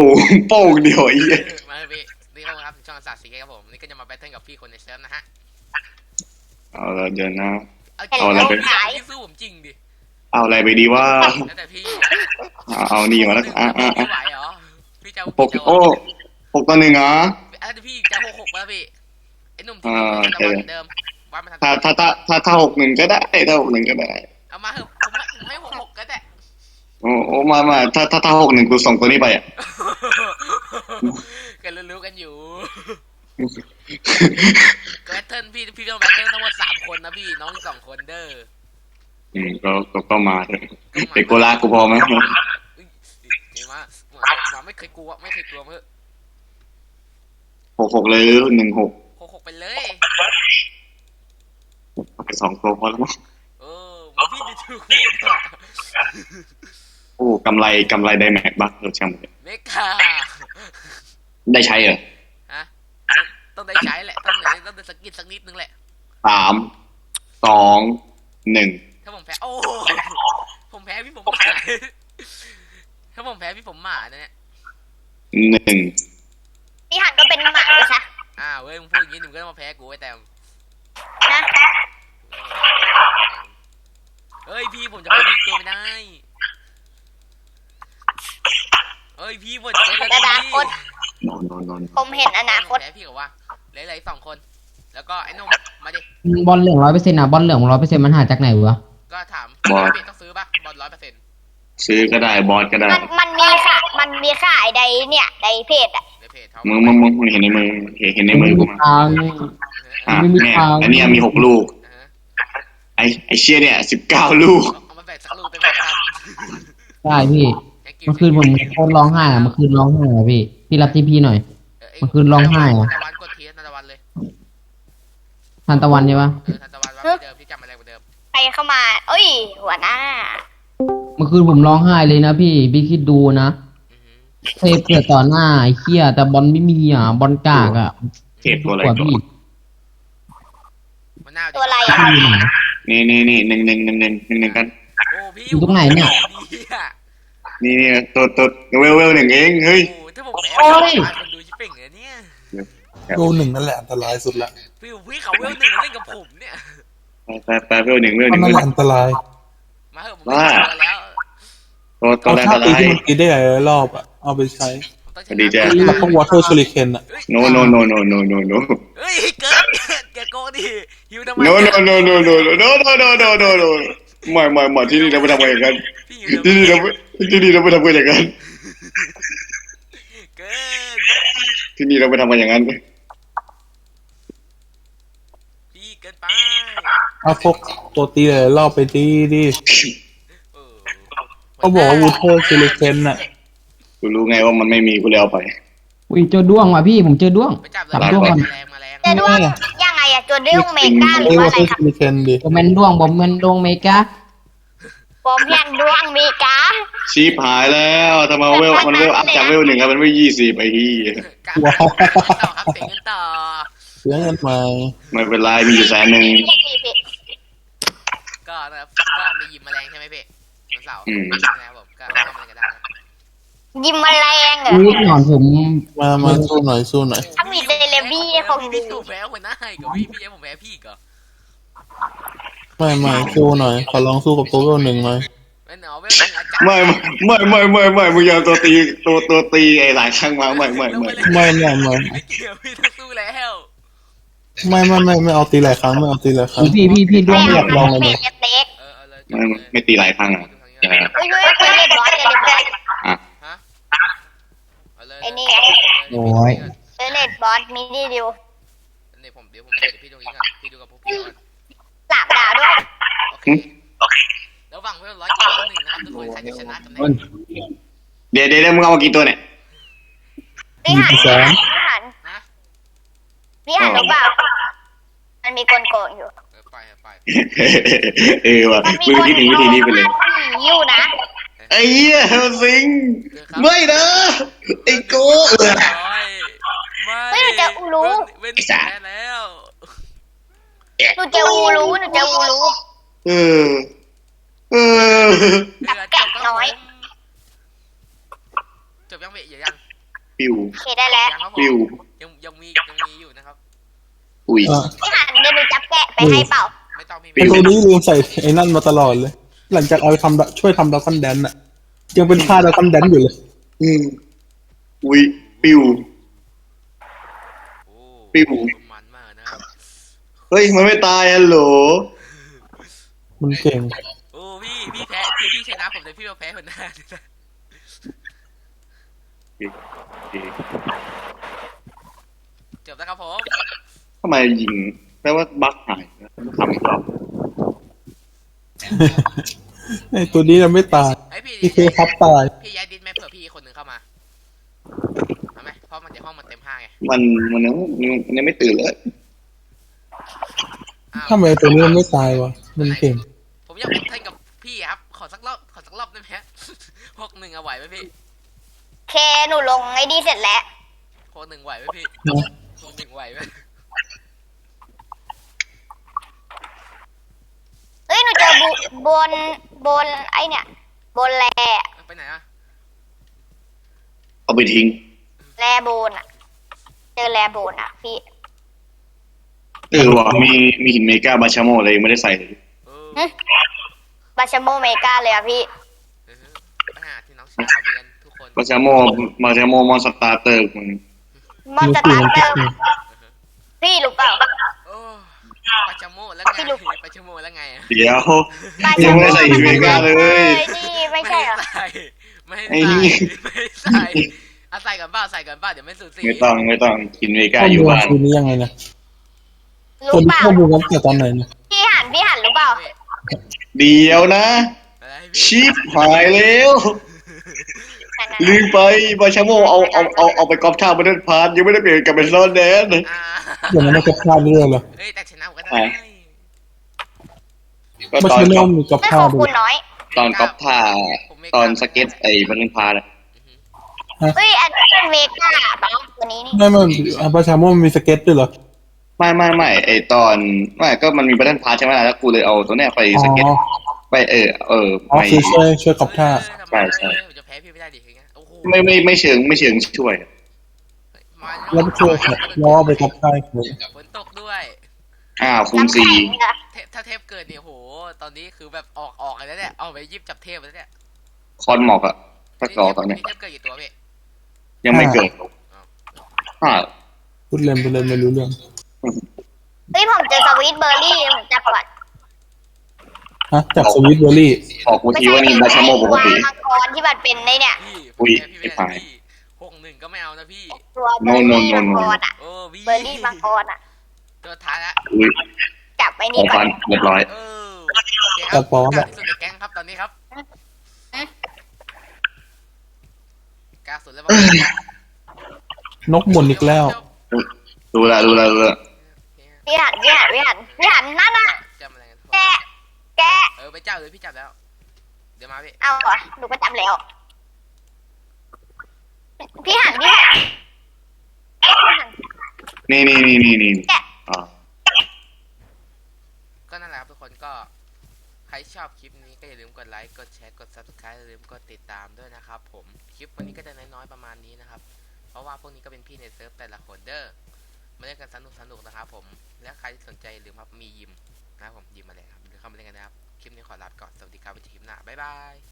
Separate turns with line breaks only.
โป้งเดียวไอ้เหี้ย
มาเลยพี่นี่ครับช่องศาสตร์สีครับผมนี่ก็จะมาแบทเทิลกับพี่คนในเซิร์ฟนะฮะ
เอาละเดี๋ยวนะ
เอาอะไรไปพี่สู้ผมจริงดิ
เอาอะไรไปดีว่า
แล้วแต่พี่
เอานี่มาแล้ว
ไม่ไหวเหรอพี่จะ
6โอ้6-1เหรอ
แล้วพี่จะ6-6แล้วพี่ไอ้หนุ่มที่จะวันเดิมว่ามา
ถ้า6-1ก็ได้ถ้า6-1ก็ได้
เอามาเถอะผมไม่6-6ก็ได้
โอ้มาถ้า6-1กูส่งตัวนี้ไปอ่ะ
กันรู้กันอยู่แบทเทิลพี่ต้องแบทเทิลทั้งหมด3คนนะพี่น้อง2คนเด้อ
ก็มาเถอะเด็กโกลากูพอไหม
มาไม่เคยกลัวเมื่อ
6-6เลย1-6
6-6ไปเลย
ไป2ตัวพอแล้วมั้ง
พี่ดูถูกผม
โอ้กำไรไดแม็กบัคเราช่างมัน
เมกา
ได้ใช้เหรอ
ฮะต้องได้ใช้แหละต้องได้สกินสักนิดนึงแหละ
3-2-1
ถ้าผมแพ้ผมแพ้พี่ผมหมาถ้าผมแพ้พี่ผมหมาเนี่ย
1
พี่หันก็เป็นหมาเลยค่ะ
เว้ยมึงพูดอย่างนี้หนูก็ต้องมาแพ้กูไอ้แต้ม
นะ
เฮ้ยพี่ผมจะไม่ดีตัวไม่ได้เฮ้ยพี่ผมจะ
อนาคตผมเห็นอนาคต
แพ้พี่กับว่าเหลือ2คนแล้วก็ไอ้นุ่มมาดิ
บอลเหลือง100%นะบอลเหลือง100%มันหาจากไหนวะ
ก็ถามพี่ต้องซื้อป่ะบอล100%
ซื้อก็ได้บอสก็ได้
มันมีค่ะไอ้ใดเนี่ยไดเพจอ่ะ
มึงเห็นในมือกูมาเนี่ยอันนี้มี6ลูกไอเชี่ยเนี่ย19ลูก
เอามาแบ่งสักลูกเป็นแบบกัน
ได้พี่เมื่อคืนผมโคตรร้องไห้เมื่อคืนร้องไห้พี่รับที่พี่หน่อยเมื่อคืนร้องไห้
ตะวันกดทีนันตะวันเลย
ทันตะวันใช่ปะ
ทันตะวันว่าเดิมพี่จำอะไรเหมือนเดิม
ใครเข้ามาเอ้ยหัวหน้า
เมื่อคืนผมร้องไห้เลยนะพี่คิดดูนะเทปเกิดต่อหน้าไอ้เหี้ยแต่บอลไม่มีบอลกาก
เทปตัวอะไร
พี่
ตัวอะไร
นี่1กัน
โอ้พี่
อยู่ตรงไหนเนี่ย
นี่ตัวเวล1เองเฮ้ย
ถ้าผมแพ้คนดูชิปเป่งเลยเนี่ย
เวล1นั่นแหละอันตรายสุดละ
พี่เขาเวล1เล่นกับผมเนี่ย
แปเวล1
นั่นแหละอันตราย
มาเถอะผมไม่เอาแล้ว
ตัวแรกอะไร
ที่มันกินได้หลายรอบอ่ะเอาไปใช้
ดีแจ้
แล้วก็วอเตอร์ชูริเคนอ่ะ
no
เฮ้ยเกิดแกโก้ดิฮิวทำไม
no ไม่ที่นี่เราไม่ทำกันอย่างนั้นที่นี่เราไม่ทำกันอย่างนั้น
เกิด
ที่นี่เราไม่ทำกันอย่างนั้น
พี่เกินไป
เอาพวกโปรตีนหลายรอบไปดิเขาบอกว่าวอเตอร์ชูริเคนอ่ะ
กูรู้ไงว่ามันไม่มีกูเลยเอาไป
อุ้ยเจอด้วงว่ะพี่ผมเจอด้วง
จับด้วงมาแรง
เจอด้วงยังไงอะเจอด้วงเมกาหรือว่าอะไรครับ
ผมเป็นด้วงเมกา
ผมยันด้วงเมกา
ชีพหายแล้วทำไมเวลมันเวลอัพจากเวล1ครับมันเวล20ไอ้ที่
ว้าวครับเสียเงินต่อ
ไม่เป็นไรมีอยู่100,000
ก็นะครับก็มียิมแมลงใช่ไหมพี่วันเสาร์นะครับผมก็ทำอะไรกันได้
ยิมแมลงเหรอ
หนอนผม
มาสู้หน่อย
ถ้ามีเดลบี้เขา
พี่ถูกแพ้หัวหน้าให้กับพี่ผมแพ้พี่ก็
ไม่สู้หน่อยขอลองสู้กับตัวเวล1หน่อย
ไม่มึงยังตัวตีไอ้หลายครั้งมาไม่
เกี่
ยวพี่ต้องสู้แล้ว
ไม่เอาตีหลายครั้ง
พี่ด้วง
อยากลองเลย
ไม่ตีหลายครั้งอ่ะ
ไอ้นี่
โอ้ย
เลดบอสมินิดิว
เดี๋ยวพี่ตรงนี้ก่อนพี่ดูกับพวกพี่ก่อน
3 ดาวด้วย
โอเคแล้วหวังไว้100-1นะครับทุกคนใครจะชนะกันแน่
เดี๋ยวมึงเอามากี่ตัวเนี่ย
พี่หันรู้เปล่ามันมีโกงอยู่
ไปว่ะมึงคิดถึงวิธีนี้ไปเลย
อยู่นะ
ไอ้เหี้ยสิงไม่นะไอ้โก้
ไม่หนูจะอูรู้
เว้นแพ้แล้ว
หนูจะอูรู้แกะน้อย
จบยังเบะยัง
ปิว
โอเคได้แล้ว
ยังครับผม
ปิว
ยังมีอยู่นะครับ
อุ้ย
อ่ะ
พี่หันเดี๋ยวหนูจับแกะไปให้เปล่า
ไม่ต้องพี่
ไอตัวนี้ลืมใส่ไอ้นั่นมาตลอดเลย หลังจากเอาไปช่วยทำดาวคันแดนอะยังเป็นท่าดาวคันแดนอยู่เลย
อืมอุ้ยปิว
โอ้
ปิว
มันมากนะครับ
เฮ้ยมันไม่ตายฮัลโหล
มันเก่ง
โอ้พี่แพ้พี่ชนะผมแต่พี่มาแพ้คนหน้าจบแล้วครับผม
ทำไมยิงแปลว่าบั๊กหายนะทำอีกรอบ
ไอ้ตัวนี้ยังไม่ตาย
ไอยพี่
พี่เคครับตาย
พี่ย้ายดิสไหมเผื่อพี่คนหนึ่งเข้ามาเอาไหมเพราะมันจะห้องมันเต็มห้าไง
มันยังไม่ตื่นเลย
อ้าว
ทำไมตัวนี้มันไม่ตายวะ มันเก่ง
ผมอยากเป็นเท่นกับพี่ครับ ขอสักรอบได้ไหมฮะ 6-1เอาไหวไหมพี่
โอเคหนูลงไอ้นี่เสร็จแล้ว
6-1ไหวไหมพี่
นะ
6-1ไหวไหม
เอ้ยหนูเจอบนไอ้เนี่ย บนแล
ไปไหนอะ
เอาไปทิ้ง
แลโบนอ่ะ เจอแลโบนอ่ะพี่
ว่ะมีหินเมกาบาชาโมอะไรยังไม่ได้ใส่เลย
เออบ
าชาโมเมกาเลยอ่ะพี่
เออไปหาที่น้องชายด้วยกันทุกคน
บาชาโมมอนสตาร์เตอร์มึง
มอนสตาร์เตอร์พี่รู้เปล่า
โอ้ปาจาโมแล้วไง
พี่ลูก
ปาจาโมแล้วไงอะ
เดี๋ยว
บา
ยั
ชาง โม
ไม่ได้ใส่หินเมกาเลย
นี่ไม่ใช่เหรอ
ไม่
ไอ้
ให้
นี่
ใส่เอาใส่กันบ้าเดี๋ยวไม่สุดสี
ไม่ต้องหินเมกา
ข้อ
อยู่
มูล
บ้าน
คืนนี้ยังไงนะตั
รู้
วนี้
เปล่า
ข้อมูลกันแต่ตอนไหนนะ
พี่หันรู้เปล่า
เดี๋ยวนะ
อะไรพี่
ชิปหายแล้ว
นั่น
ลืมไปบาชาโมเอาไปกอบท่ามาเดินพาร์ทยังไม่ได้เปลี่ยนกลับเป็นโซนแดน
อ่า
อย่างนั้นมันจะพลาดเรื่องเหรอ
เอ้ยแต่ชนะผมก็ได้
ก็
ไม่
ตอน
ใช่
ก
น้
อ
อบ งกับ
ไม่
ข้า
ข
ว
อบ
ดู
คุณน้อย
ตอนกอบท่าตอนสเก็ตไอ้บันเทิงพาร์ทอะ
เฮ้ยอันนี้เป็นเมกาเนาะตัวนี้นี่
ไม่ประชาโมมันมีสเก็ตด้วยเหรอ
ไม่ไอ้ตอนไม่ก็มันมีบันเทิงพาร์ทใช่ไหมล่ะแล้วกูเลยเอาตัวเนี้ยไปสเก็ต
อ๋อ
ไป
อ๋อ
ไม่
คือช่วยกับท่า
ใช่ใช่
ผมจะแพ้พี่ไม่ได้ดิอย่างเงี้ยโอ้โห
ไม่เชิงช่วย
มา
แล้วช่วยล้อไปกับท่าเลย
ฝนตกด้วย
คูณ
น้ำแข็งเหรอ
ถ้าเทพเกิดเนี่ยโห ตอนนี้คือแบบออกเลยเนี่ยเอาไปยิบจับเทพแล้วเนี่ย
4คอนหมอกอะถ้ากรอกตอนเนี้ย
เทพเกิดกี่ตัวพี่
ยังไม่เกิดห้า
พูดเล่นไปเลยไม่รู้เรื่อง
เฮ้ยผมเจอสวีทเบอร์รี่ผมจับก่อน
ฮะจากสวิตเบอร์รี่
ออกกูทีว่านี่บาชาโมปกติ
มังกรที่มันเป็นในเนี่ย
พี่
อุ้ย
พี่ไม่
ไอ้
ได้
ฝ่าย
พี่6-1ก็ไม่เอานะพี่
ตัวเบอร์รี่มังกรอ่ะ
โอ้พี่
เบอร์รี่มังกรอ่ะ
ตัวท้ายละ
อุ้ย
จับไป
ข
นี่
อง
ก่อ
ฟั
น
นเรียบร้อย
เออ
จับปอม
กา
อะ
ที่สุดในแก๊งครับตอนนี้ครับกาสุดแล้วบ้าง
นกหมุนอีกแล้ว
ดูละ
พี่หันนั่นน่ะ
จำอะไรกัน
แกะ
ไปเจ้าเลยพี่จับแล้ว เดี๋ยวมาพี่
เอาเหรอหนูก็จำแล้วพี่หัน
นี่อ่า
ก็นั่นแหละครับทุกคนก็ใครชอบคลิปนี้ก็อย่าลืมกดไลค์กดแชร์กด subscribe อย่าลืมกดติดตามด้วยนะครับผมคลิปวันนี้ก็จะน้อยๆประมาณนี้นะครับเพราะว่าพวกนี้ก็เป็นพี่ในเซิร์ฟแต่ละคนเด้อมาเล่นกันสนุกนะครับผมและใครที่สนใจอย่าลืมครับมียิมนะครับผมยิมมาเลยครับหรือเข้ามาเล่นกันนะครับคลิปนี้ขอลาไปก่อนสวัสดีครับไว้เจอคลิปหน้าบ๊ายบาย